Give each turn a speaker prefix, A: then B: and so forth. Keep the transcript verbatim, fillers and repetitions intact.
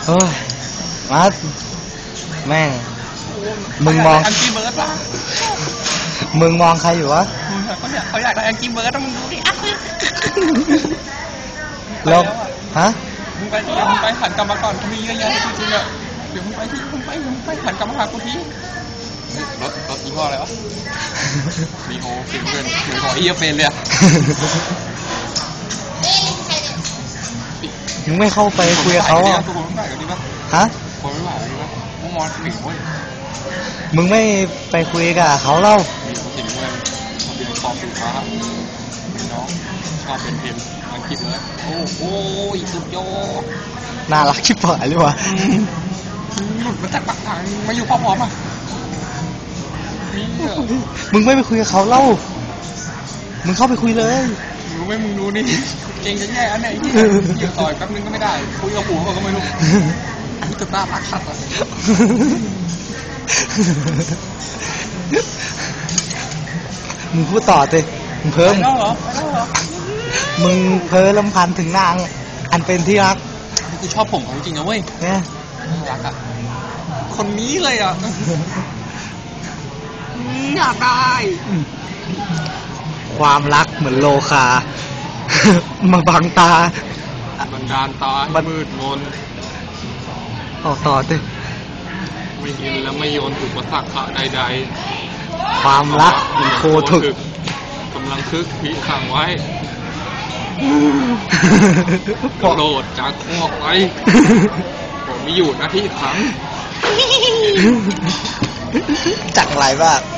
A: เฮ้ยมาแม่งมึงมอง
B: แองกี้เบิร์ดป่ะ
A: มึงมองใครอยู่วะ
B: เขาอยากเขาอยากได้แองกี้เบิร์ดต้องมึงดูดิ
A: แล้วฮะ
B: มึงไปที่มึงไปหันกลับมาก่อนเขามีเยอะแยะจริงๆอ่ะเดี๋ยวมึงไปที่มึงไปมึงไปหันกลับมาหากูทีรถรถยี่ห้ออะไรวะมีโฮฟิงเกิลเหมือนของอีเอฟเฟนเลย
A: มึงไม่เข้าไปคุยกับเขาอ่ะฮะ
B: คนไม่ไหวดีวะมึงมองหนึ่งเว้ย
A: มึงไม่ไปคุยกับเขาเล่า
B: มีเขาสิงเงินเขาเป็นคอมสินค้าน้องชอบเป็นเพนอังกฤษเลยโอ้โหสุดยอด
A: น่ารักชิบหายเลยวะ
B: หลุดมาจากปากทางมาอยู่พร้อมๆอ่ะ
A: มึงไม่ไปคุยกับเขาเล่ามึงเข้าไปคุยเลย
B: รู้ไหมมึงรู้นี่เก่งจะแย่อันไหนที่อยู่ต่อยแป๊บนึงก็ไม่ได้คุยกับผัวก็ไม่รู้มึงจะตาลักสัตว์อ่ะ
A: มึงพูดต่อสิมึงเพิ่ม
B: ไปแล้วเหรอไปแล้วเหรอ
A: มึงเพ้อลำพันถึงนางอันเป็นที่รัก
B: กูชอบผมเขาจริงนะเว้ย
A: เนี่ย
B: น่ารักอ่ะคนนี้เลยอ่ะอยากได้
A: ความรักเหมือนโลคามาบังตา
B: บันดาลตามืดมน
A: ต่อต่อสิ
B: ไม่เห็นและไม่โยนถูกประสักขะใด
A: ๆความรักมันโคถึก
B: กำลังคึกผีขังไว้โกรธจากข้อไปผมไม่อยู่หน้าที่ขัง
A: จักไรบ้าง